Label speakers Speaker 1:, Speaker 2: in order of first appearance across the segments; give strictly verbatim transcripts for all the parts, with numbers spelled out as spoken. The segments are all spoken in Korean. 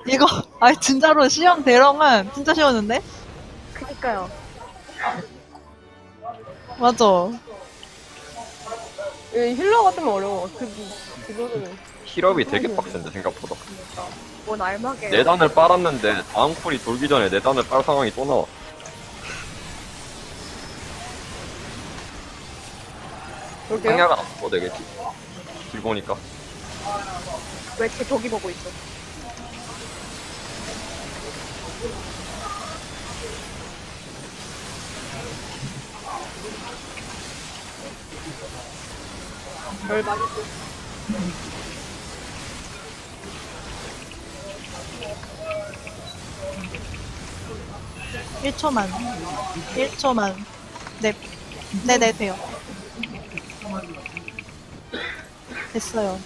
Speaker 1: 이거 아 진짜로 시험 대령은 진짜 쉬웠는데?
Speaker 2: 그니까요.
Speaker 1: 맞아.
Speaker 3: 이 힐러 같으면 어려워. 그, 그거는.
Speaker 4: 힐업이 되게 빡센데 생각보다.
Speaker 2: 뭔 알막에.
Speaker 4: 네 단을 빨았는데 다음 쿨이 돌기 전에 네 단을 빨 상황이 또 나와.
Speaker 3: 볼게요.
Speaker 4: 상야가 나서 되겠지. 길 보니까.
Speaker 2: 왜제 저기 보고 있어?
Speaker 3: 별 많이
Speaker 1: 일 초만. 일 초만. 네. 네네, 돼요. 됐어요.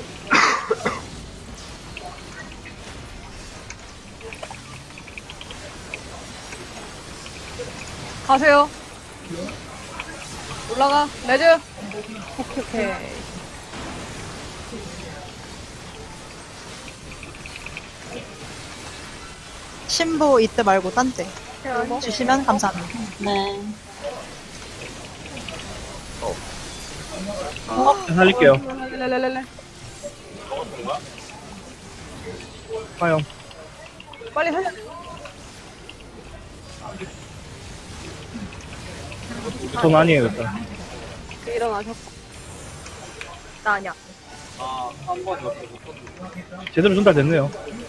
Speaker 3: 가세요. 올라가. 레즈. 오케이, 오케이.
Speaker 1: 신부 이때 말고 딴 때
Speaker 2: 제가
Speaker 1: 주시면 감사합니다.
Speaker 5: 네.
Speaker 6: 살릴게요.
Speaker 3: 렐렐렐렐렐.
Speaker 6: 화영.
Speaker 3: 빨리 살려.
Speaker 6: 돈 아니에요, 일단.
Speaker 3: 일어나셨고.
Speaker 2: 나 아니야.
Speaker 6: 제대로 전달됐네요.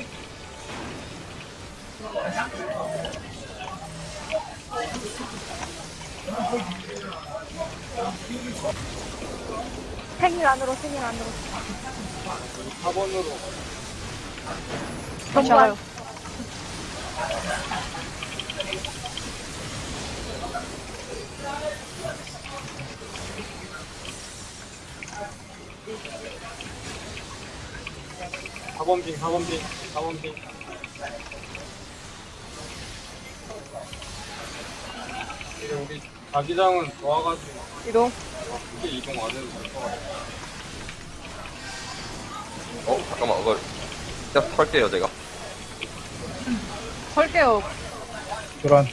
Speaker 2: 생일 안으로 생일 안으로.
Speaker 3: 다시 와요.
Speaker 7: 사 번 빙, 사 번 빙, 사 번 빙. 이제 우리 자기장은 좋아가지고
Speaker 3: 이동.
Speaker 7: 크게 이동 안 해도 될 것 같아.
Speaker 4: 어 잠깐만 그걸 진짜 털게요 제가.
Speaker 3: 설게요.
Speaker 6: 교란.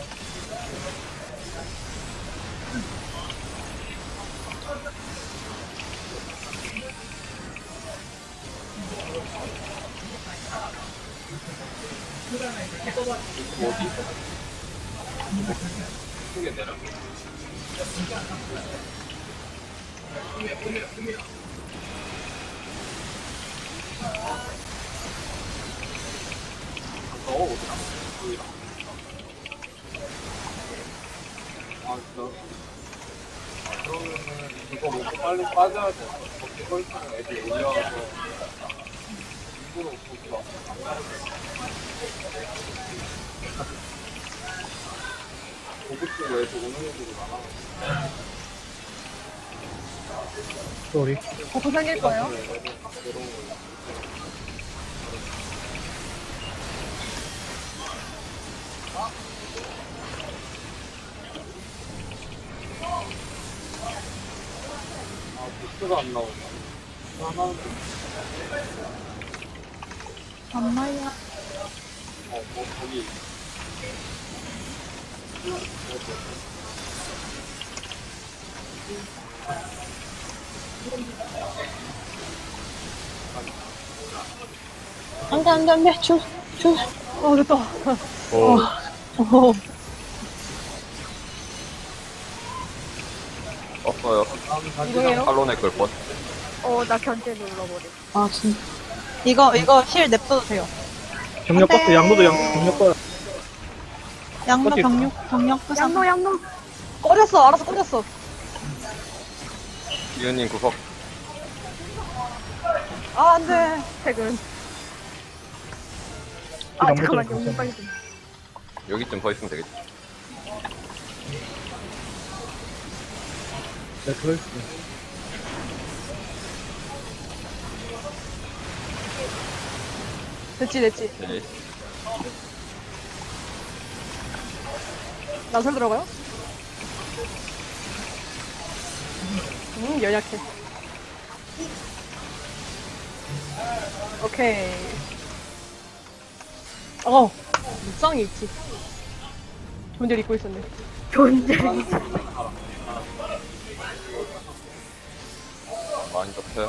Speaker 7: 크게 내려. 어, 어디야? 여기다. 아, 진짜? 아, 그러면은 그거 먹고 빨리 빠져야 돼. 거기 서 있으면 애들 올려와서 일부러 거기 와. 고급 쓰고 애들 오는 애들이 많아.
Speaker 6: 쏘리.
Speaker 3: 버프 생길 거예요.
Speaker 7: 아, 부스가 안 나오네. 하나는,
Speaker 1: 엄마야.
Speaker 7: 어, 뭐, 거기.
Speaker 5: 안 돼, 안 돼, 안 돼. 줄, 줄.
Speaker 3: 어, 됐다.
Speaker 4: 오.
Speaker 1: 오.
Speaker 4: 떴어요.
Speaker 3: 이동해요.
Speaker 4: 칼론의 걸뻔.
Speaker 2: 어, 나 견제 눌러버려.
Speaker 5: 아, 진짜.
Speaker 1: 이거 이거 힐 냅둬도 돼요.
Speaker 6: 경력
Speaker 1: 안 돼.
Speaker 6: 버스, 양도도 양, 경력 버스.
Speaker 1: 양로
Speaker 6: 어디
Speaker 1: 병력 병력 부상.
Speaker 2: 양노 양노.
Speaker 3: 꺼졌어. 알아서 꺼졌어.
Speaker 4: 이은님 구석.
Speaker 3: 아, 안 돼.
Speaker 2: 퇴근. 아
Speaker 6: 양도
Speaker 2: 잠깐만
Speaker 6: 좀
Speaker 2: 영웅 빨리 좀.
Speaker 4: 여기쯤 서 있으면 되겠지.
Speaker 6: 네, 그럴 수.
Speaker 3: 됐지, 됐지.
Speaker 4: 네.
Speaker 3: 나설 들어가요? 음, 연약해. 오케이. 어, 묵상이 있지. 존재를 잊고 있었네.
Speaker 2: 존재.
Speaker 4: 많이 접해.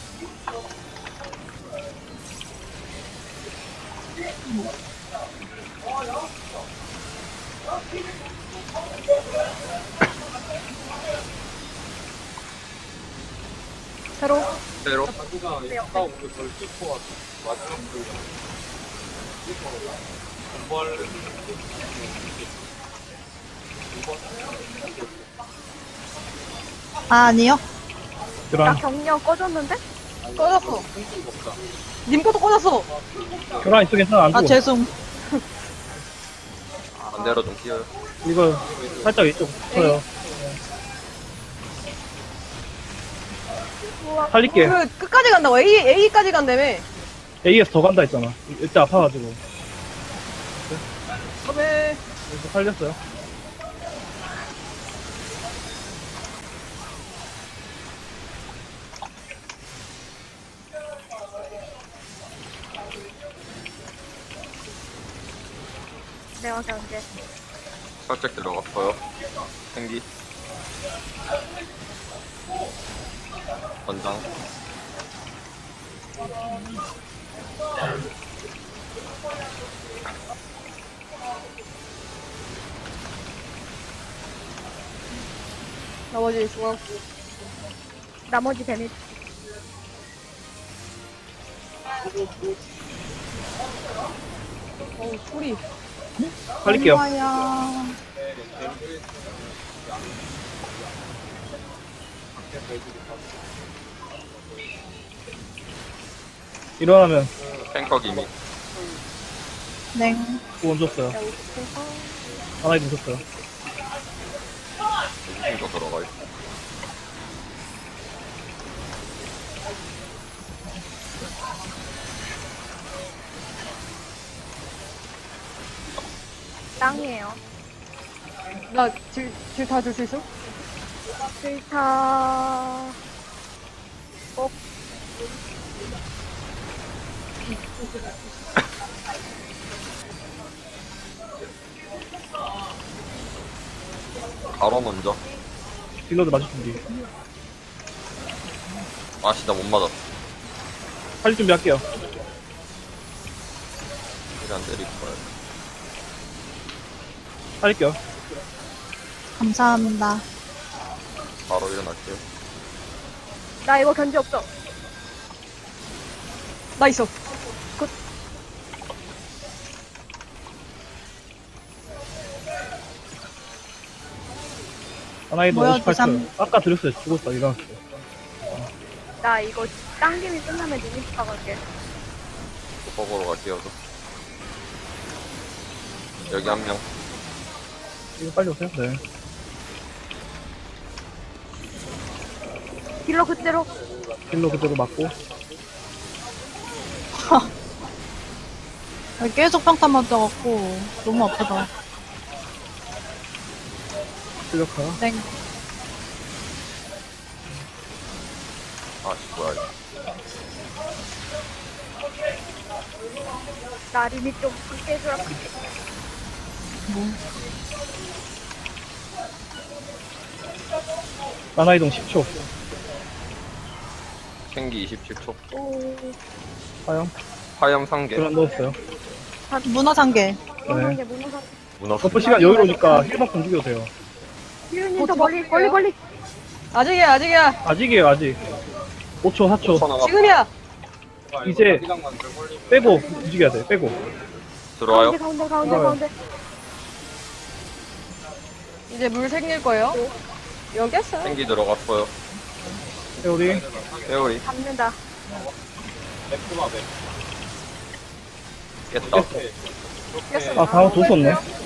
Speaker 2: 새로.
Speaker 4: 새로.
Speaker 7: 자기가 이따 오면 덜 씻고 와서 마지막 그 공부할
Speaker 1: 아, 아니요.
Speaker 2: 나
Speaker 6: 교란,
Speaker 2: 경력 꺼졌는데?
Speaker 3: 꺼졌어. 님 것도 꺼졌어.
Speaker 6: 교란 이쪽에 하나 안
Speaker 1: 아,
Speaker 6: 주고.
Speaker 1: 죄송.
Speaker 4: 반대로 좀 끼워요.
Speaker 6: 이거 살짝 이쪽 붙어요.
Speaker 2: 우와.
Speaker 6: 살릴게.
Speaker 3: 그, 끝까지 간다고. A, A까지 간다며.
Speaker 6: A에서 더 간다 했잖아. 이때 아파가지고.
Speaker 3: 그러면,
Speaker 6: 그래서 살렸어요.
Speaker 2: 내가 견제.
Speaker 4: 살짝 들어갔어요. 생기. 권장.
Speaker 3: 나머지 중앙.
Speaker 2: 나머지 데미지.
Speaker 3: 어우, 소리.
Speaker 6: 살릴게요.
Speaker 1: 엄마야.
Speaker 6: 일어나면
Speaker 4: 탱커 기미.
Speaker 1: 네.
Speaker 6: 구원 줬어요. 하나에 누셨어요.
Speaker 4: 무슨 거 들어가 있어.
Speaker 2: 땅이에요.
Speaker 3: 나 질, 질 다 줄 수 있어?
Speaker 2: 필타. 꼭.
Speaker 4: 바로 먼저.
Speaker 6: 딜러드 맞을 준비.
Speaker 4: 아씨, 나 못 맞았어.
Speaker 6: 살릴 준비 할게요.
Speaker 4: 일단 때릴 거야.
Speaker 6: 살릴게요.
Speaker 1: 감사합니다.
Speaker 4: 바로 일어날게요.
Speaker 2: 나 이거 견제 없어.
Speaker 3: 나 있어.
Speaker 6: 하나에도
Speaker 1: 뭐야,
Speaker 6: 오십팔 초.
Speaker 1: 두삼.
Speaker 6: 아까 드렸어요. 죽었어. 일어났어요.
Speaker 2: 나 이거 당김이 끝나면 리미트 가갈게.
Speaker 4: 속보로 갈게요. 저. 여기 한 명.
Speaker 6: 이거 빨리 오세요. 네.
Speaker 2: 딜러 그대로.
Speaker 6: 딜러 그대로 맞고.
Speaker 1: 계속 평타 맞아갖고 너무 아프다.
Speaker 6: 실력화.
Speaker 1: 네.
Speaker 4: 아씨, 뭐야. 이거.
Speaker 2: 나 리미트 좀 크게 해주라.
Speaker 6: 만화이동 십 초.
Speaker 4: 생기 이십칠 초.
Speaker 2: 오.
Speaker 6: 화염.
Speaker 4: 화염 상계.
Speaker 6: 교란 넣었어요.
Speaker 1: 문어 상계.
Speaker 2: 무너산 게 무너산.
Speaker 4: 문어.
Speaker 6: 버프 시간 여유로우니까 힐만큼 죽여도 돼요.
Speaker 2: 힐님 더 멀리 멀리 멀리.
Speaker 3: 아직이야, 아직이야.
Speaker 6: 아직이에요, 아직. 오 초, 사 초.
Speaker 4: 나가.
Speaker 3: 지금이야.
Speaker 6: 이제 빼고 움직여야 돼, 빼고.
Speaker 4: 들어와요.
Speaker 2: 가운데 가운데 가운데
Speaker 6: 들어와요.
Speaker 2: 가운데.
Speaker 3: 이제 물 생길 거예요. 여기 했어요.
Speaker 4: 생기 들어갔어요.
Speaker 6: 회오리.
Speaker 4: 회오리.
Speaker 2: 잡는다.
Speaker 4: 깼다.
Speaker 6: 아, 방어 도 썼네.